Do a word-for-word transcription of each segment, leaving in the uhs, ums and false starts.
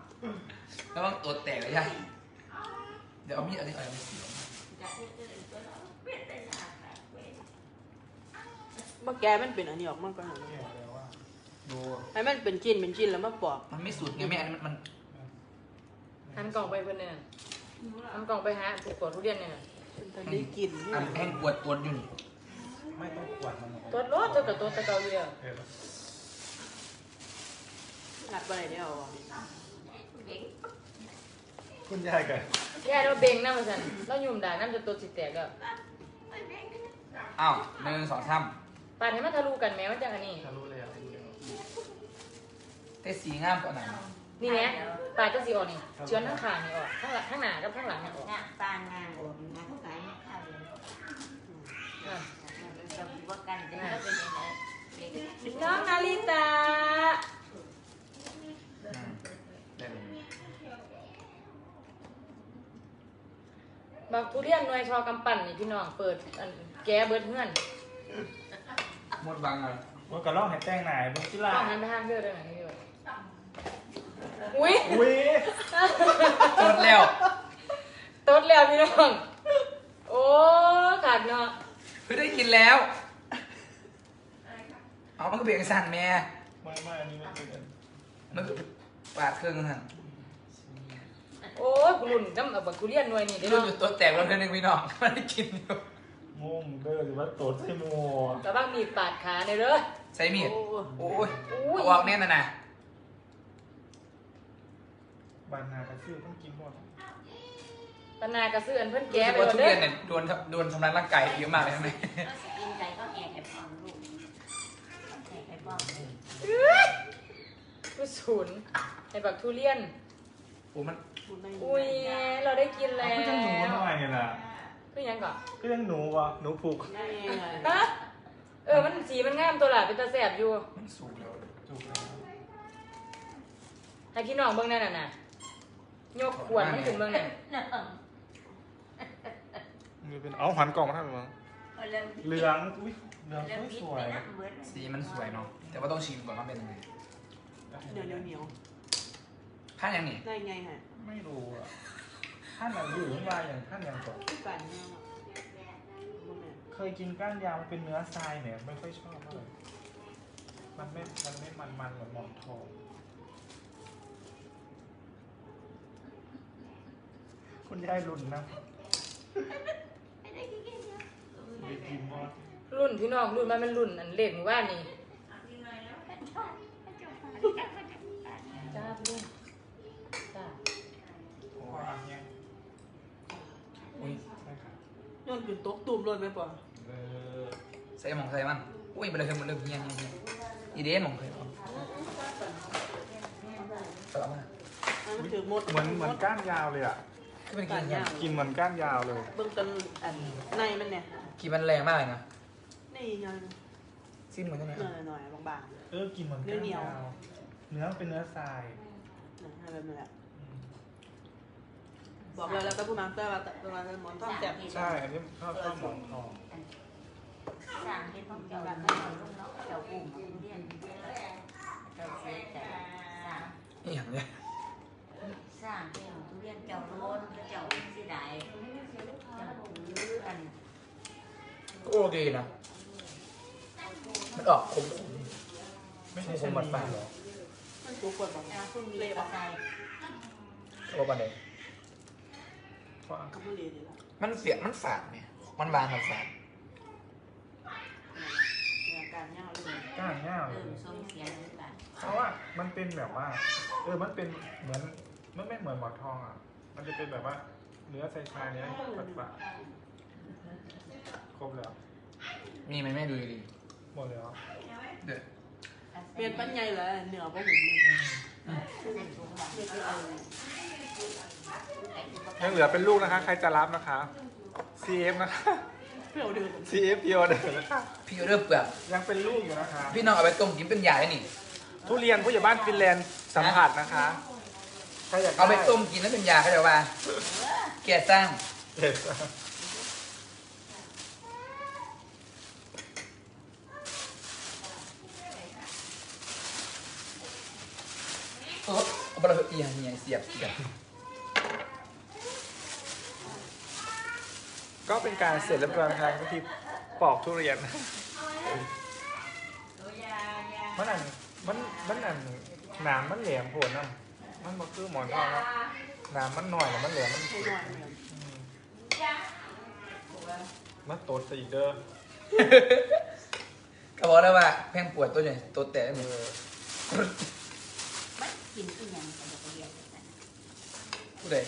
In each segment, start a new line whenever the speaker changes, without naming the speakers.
แล้วมันตัวแตกเลยใช่เดี๋ยวเอามีดอันนี้อะไรมาสี
มาแกมันเป็นอันนี้ออกมากกว่าหน่อย
ดู
ให้มันเป็นชิ้นเป็นชิ้นแล้วมาปอก
มันไม่สุดไงแม่อันนี้มัน
หันกล่องไปเพื่อนเนี่ยหันกล่องไปหาผูกกดทุเรียนเนี่ย
มันได้กิน
อันแห้งปวดปวดอยู่นี่
ไม่ต้องปวดมัน
ตัวรถเจ้ากับตัวตะเกาอยู่แล้ว
งัดไปไหนเนี่ยเอา
คุณยายกัน
แย่เราเบ่งน้ำมันสั่นเราหยุ่มด่าน้ำจะตัวสิแตกแล้ว
อ้าวหนึ่งสองสาม
ปาดให้มันทะลุกันแม้ว่าจังอันนี้
ทะลุเลยอ่ะ
แต่สีงามกว่านั้น
นี่ไงปาดจะสีออกนี่เชื้อทั้งขานี่ออกทั้งหลังทั้งหน้ากับทั้งหลังเนี่ยออก
ปานงานออกงานทุกการไม่เข้าเลยจะว่ากันได้เป็นยังไง
น้องนาริตาบางทุเรียนหน่วยชอกำปั่นนี่พี่น้องเปิดแกเบิดเงื่อน
หมดบางเลย
มันก็ล่องให้แต้งไหนบุกจิล่า
ต้องหันไปห้างเพื่อได้ไหมพี่ด้วยอุ้ย
อุ้ย
ตดแล้ว
ตดแล้วพี่น้องโอ้ขาดเนาะ
เพิ่งได้กินแล้วเอามันก็เบี่ยงสั่นแม่
ไม่ไม่อันนี้ไม่เป็น
มันก็ปาดเครื่องสั่น
โอ้ยกุลุ่นน้ำเอาบักทุเรียนหน่วยนี่เดี๋ยว
รุ่นอยู่ตัวแตกแล้วเพื่อนหนึ่งพี่น้องไม่ได้กินอยู่
งงเด้อหรือว่าโตใส่หมัว
แต่บ้างมีปาดขาในเด้อ
ใช้มีดโอ้ยเอาออกแน่นนะนะ
บานนากระซื้อต้องกินหมด
ปนากระเสื้อนเพื่อนแกไป
ทุเรียนเนี่ยโดนโดนทำร้ายร่างกายเยอะมากเลยใช่ไหม
กินใจก็แอบแอบฟังลูกแอบแอบฟัง
ผู้ศูนย์ในบักทุเรียน
โอ้มัน
อุ้ยเราได้กินแล้ว
ก็ยังหนูหน่อยเนี่ยนะ
ก็ยังก่อน
ก็ยังหนูวะหนูผูก
ฮะเออมันสีมันงามตัวหล่ะเป็นตาแสบอยู่
มันสูงแล้ว
ถูกแล้ว
ให้พี่น้องเบิ่งนั่นน่ะยกขวดมันถึงเบิ่งนั่น
นี่เป็นเอาหันกล่องมาให้มั้งเหลืองอุ้ยเหลืองสวย
สีมันสวยเนาะแต่ว่าต้องชิมก่อนว่าเป็นยังไง
เหนียวเหนียว
ท่านยังนี่
ได้ไงฮะ
ไม่รู้อ่ะท่านอะไรอยู่ที่ว่าอย่างท่านยังก่อน
ก้านยาว
เคยกินก้านยาวมันเป็นเนื้อทรายเนี่ยไม่ค่อยชอบเท่าไหร่มันไม่มันไม่มันมันเหมือนหมอนทองคุณยายรุ่นนะ
รุ่นพี่น้องรุ่นมันเป็นรุ่นอันเล็กหมู่บ้านนี่จ้าพี่ลุงจ้า
โอ้ยเนี่ย
อุ้ย
ย้อนขึ้นโต๊ะตูมเลยไหมป่ะ
ใส่หมองใส่มันอุ้ยไปเลยคือมันเริ่มเฮี้ยนเฮี้ยนอีเดนหมองเคยเอาสลับมา
เหมือนเหมือนก้านยาวเลยอ่ะ
กิน
กินเหมือนก้านยาวเลย
เบื้องต้นอันในมันเนี่ย
กินมันแรงมากเลยนะ
นี่ยัง
สิ้นเหมือนกันไหม
หน่อยๆบาง
ๆเออกินเหมือนก้านยาวเนื้อเป็นเนื้อทราย
อะไรแบบนี้แหละบอกเลยแล้วก็ผู้นำเตอร์มาตัวมาหมอนทองแจ่ม
ใช่อันนี้ชอบชอบหมอนทอง
สั่งที่ต้องเจ้าแบบไม่เอาลูกน้องเจ้าปุ่มเรียนเจ้าเสียใจสั่ง
นี่อย่างเนี้ย
สร้างเป็นทุเรียนเจ้าโน้นเจ้าสีได้เจ้าถือกัน
โอเคนะมันออกขมขม
ไม่ใช่ขมหวานหรอ
มันตัวคนแบบ
คุณมีกระไซ
ตัวปันเดยมันเสียมันฝาดเนี่ยมันบางมันฝาด
การย่าเลย
ก้านย่าเลยเพราะว่ามันเป็นแบบว่าเออมันเป็นเหมือนมันไม่เหมือนหมอนทองอ่ะมันจะเป็นแบบว่าเนื้อใส่ชาเนี้ยปัดปะครบแล้ว
มีไหมแม่ดูดี
หมดแล้ว
เด็ด
เปลี่ยนปั้นใหญ่เลยเหนือพวกผม
ยังเหลือเป็นลูกนะคะใครจะรับนะคะ ซี เอฟ นะคะ ซี เอฟ พี ออเดอร์นะคะ
พี่ออเดอร์เปลือก
ยังเป็นลูกอยู่นะคะ
พี่น้องเอาไปต้มกินเป็นยาได้นี่
ทุเรียนผู้ใหญ่บ้านฟินแลนด์สัมผัสนะคะ
เอาไปต้มกินแล้วเป็นยาเขาจะว่าแก่สร้างเออบเราเอียงเหียเสียบเสียบ
ก็เป็นการเสร็จเรียบร้อยนะครับก็ที่ปอกทุเรียนมันอันมันมันอันหนามมันแหลมโผล่นะมันบ่คือหมอนทองนะหนามมันหน่อยแล้วมันแหลมมัน
ให้หน่อยเนี่ย
มันโตดซะอีกเด้อ
ก็บอกแล้วว่าแพงปวดตัวใหญ่ตัวแต่
เอ
หมด
อ
มันกินอีหยังก็บ่เรียนกัน
ผู้ใด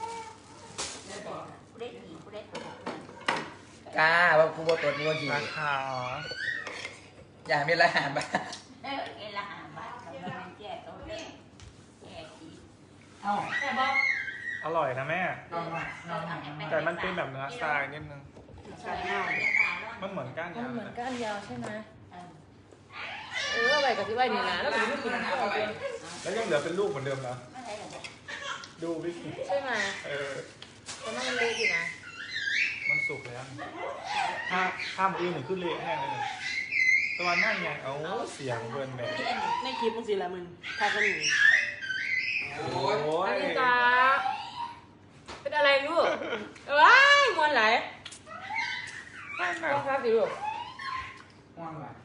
ผู้ใดดีผู้ใดตัว
กล้าว่าผู้บ่ตัวนี้ว่าดี
ราคา
อย่ามีรหัสบ้า
เออเอละห้าบาทกับมันแจกเอาเลยแจกอีก
เอ้า
แต่บอก
อร่อยนะแม่
ลองมาลองมา
แต่มันเป็นแบบเนื้อทรายนิดนึง
การย่าง
มันเหมือนก้าน
มัน
ยาว
เหมือน
นะ
ก้านยาวใช่ไหม
เออ
เออเอาไปกับที่ไว้นี่นะแล้วก็ไม่กินข้าวเลย
แล้วยังเหลือเป็นลูกเหมือนเดิมนะ
ไม่ได้หรอก
ดูวิธี
ใช่ไหม
เออ
แต่มันเล็กอยู่นะ
มันสุกแล้วถ้าถ้ามือหนึ่งขึ้นเละแห้งเลยตัวนั่นไงเอาเสียงเบิร์นแบบ
ในคลิปมึงสิละมึงทากันหนึ่ง
โอ้
โอ้
ย
อัน
ย
นี้ตาเป็นอะไรลูกว้ายมวนไหล
นั่น
ต้
น่ะ
องครับสิลูก
ม่วงว่ะ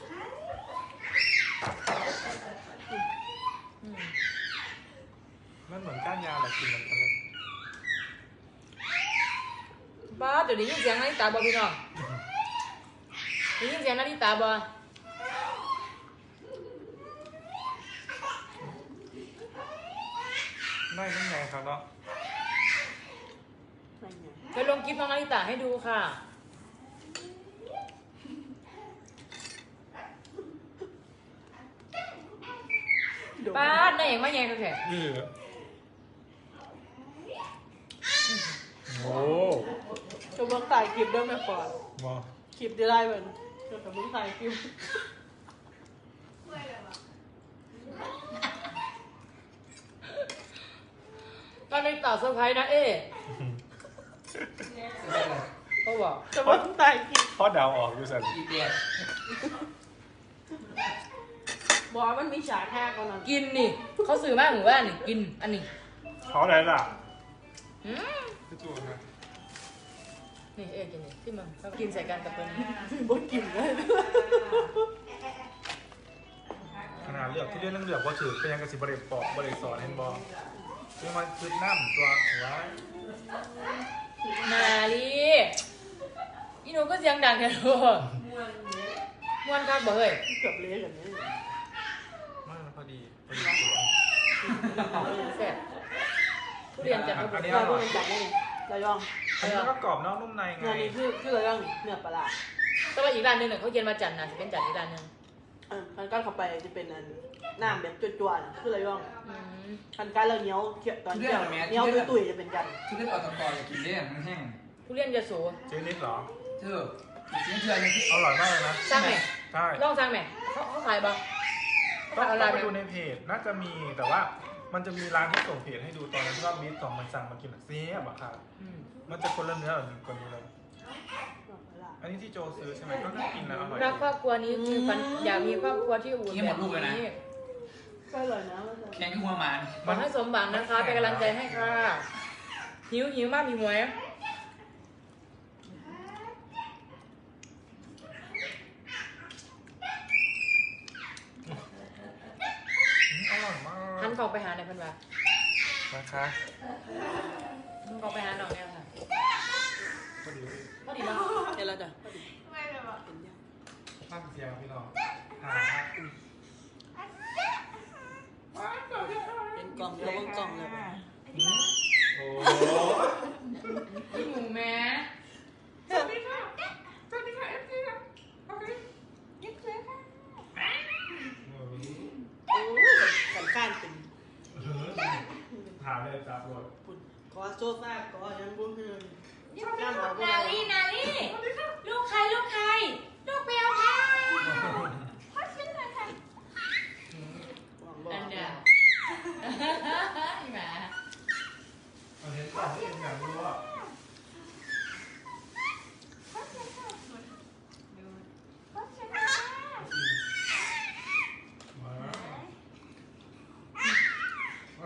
อืม
มันเหมือนก้านยาวแหละกินเหมือนกันเลย
บ้าเดี๋ยวนี้ยินเสียงนาฬิตาบอพี่น้องได้ยินเสียงนาฬิตาบอ
ไม่นั่นไงครับเนาะ
อะไรเงี้ย
ไปลงคลิปน้องนาฬิตาให้ดูค่ะป้าดได้เองมาแย่งกันแค่
นี่เหรอโอ้
จะเบิ่งถ่ายคลิปเด้อแม่ปอน
มา
คลิปได้ได้เหมือนจะกับเบิ่งถ่ายคลิป
ตอนนาฬิตาเซอร์ไพรส์นะเอ๊เขาบอก
จะเบิ่งถ่ายคลิป
พ่อเดาวออกอยู่สัน
อีเดีย
บอกว่ามันมีฉากแค่ก่อนนะ
กินนี่เขาสื่อมากหรือว่านี่กินอันนี้
เขาอะไรล่ะ
อืม
พี่จูนนะ
นี่เอ๊กินนี่ที่มันเขากินใส่กันกับตัวนี้
บ่กินเลย
ขนาดเลือกที่เรื่องเลือกว่าถือเป็นยังกระสิบริปอกบริสอนเห็นบอคือมันคือน้ำตัวหัว
นาลีอีหนูก็เสียงดังแค่ลูกม่วนคักบ่เฮ้ย
เกือบเละกันเนี่ย
มากพอดีพอดีสวย
แซ่บทุเรียนจัดระเบียบ
เราดูมันจับได้เลยระยอง
อันนี้ก็กรอบนอกนุ่มในไง
เนื้อนี่คือคือระยองเนื้อปลาร้า
แต่ว่าอีกร้านหนึงเนี่ยเขาเย็นมาจันทร์นะจะเป็นจันทร์อีกร้านหนึง
เออคันก้านเข้าไปจะเป็นอันน้ำแบบจวนๆคือระยอง
อืม
คันก้านเราเหนียวเคี่ยวตอนเคี่ยวเหนียวตุ้ยๆจะเป็นกัน
ทุเรียนออกตะกอนอย่ากินเลี่ยนมันแห้ง
ทุเรียนยะโส
เจนิดเหรอ
เธอกินเชื่อเลยที่
อร่อยมากเลยนะ
สร้างไหม
ใช่
ลองสร้างไหมเขาเขาขายบ่
ต้อ
เขา
ง
ขายอะไร
ไป
ไหม
ดูในเพจ น่าจะมีแต่ว่ามันจะมีร้านที่ส่งเพจให้ดูตอนนั้นที่ว่ามิสสองมันสั่งมากินอะเสียบอะค่ะ
อืม
มันจะคนละเนื้อแบบกว่านี้เลย อันนี้ที่โจซื้อใช่ไหมก็น่ากินนะอร่อย
รักครอบครัวนี้คือฝันอยากมีครอบครัวที่อบอุ่นแบบนี้
ก็อร่อยนะมันจะ
แข็งหัวหมาน
ขอให้สมหวังนะคะเป็นกำลังใจให้ค่ะหิวหิวมากมีหวย
อืมอร่อยมาก
หันกล่องไปหาในอยเพันว่า
นะคะ
หันกล่องไปหาน้องเนี่ยค่ะ
พอดี
พอดีเนาะ
เดี๋ยวเราจะ
ฟังเสียงพี่น้องหา
เป็นกล่องเดียวเบิ่งกล่องเลย
อืมโอ้
พี่หมูแม่
โอ้ยสันข้านเป็น
ถามเลยจับรถ
ปุ่นขอโซฟาขอยังบุ้งเฮือนน้ำเขาบุ้ง
นาลี่นาลี่ลูกใครลูกใครลูกเปียวค่ะอันเดียวอีหมา
เอาเห็นก่อนที่เองอยากรู้ว่ามา